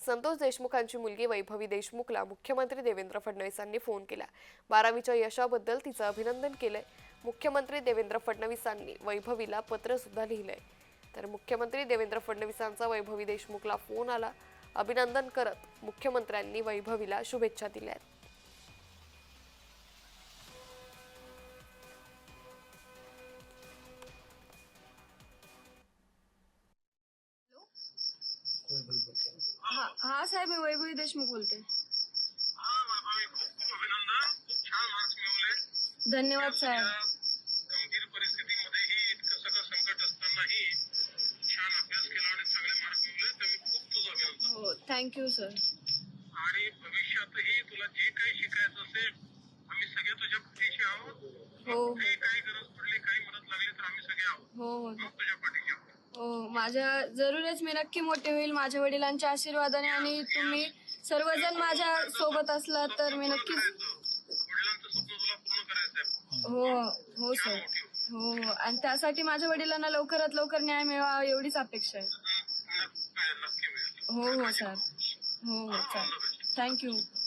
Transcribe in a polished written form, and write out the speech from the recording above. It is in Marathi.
संतोष देशमुखांची मुलगी वैभवी देशमुखला मुख्यमंत्री देवेंद्र फडणवीसांनी फोन केला। 12वीच्या यशाबद्दल तिचं अभिनंदन केलंय। मुख्यमंत्री देवेंद्र फडणवीसांनी वैभवीला पत्र सुद्धा लिहिलंय। तर मुख्यमंत्री देवेंद्र फडणवीसांचा वैभवी देशमुखला फोन आला। अभिनंदन करत मुख्यमंत्र्यांनी वैभवीला शुभेच्छा दिल्या। हाँ साहेब, मी वैभवी देशमुख बोलते। धन्यवाद साहेब। गंभीर परिस्थितीमध्येही इतकं सगळं संकट असतानाही छान अभ्यास केला आणि चांगले मार्क मिळवले, तर मी खूप तुझं अभिनंदन। हो, थँक्यू सर। आणि भविष्यातही तुला जे काही शिकायचं असेल, आम्ही सगळे तुझ्या पाठीशी आहोत। हो, कुठेही काही गरज पडली, काही मदत लागली तर आम्ही सगळे आहोत। हो, तुझ्या पाठीशी आहोत। हो, माझ्या जरूरच मी नक्की मोठे होईल माझ्या वडिलांच्या आशीर्वादाने, आणि तुम्ही सर्वजण माझ्या सोबत असलात तर मी नक्कीच। वडिलांचं स्वप्न तुला पूर्ण करायचंय। हो हो सर, हो, आणि त्यासाठी माझ्या वडिलांना लवकरात लवकर न्याय मिळावा एवढीच अपेक्षा आहे। नक्की मिळेल। हो हो सर, हो हो, चालेल, थँक्यू।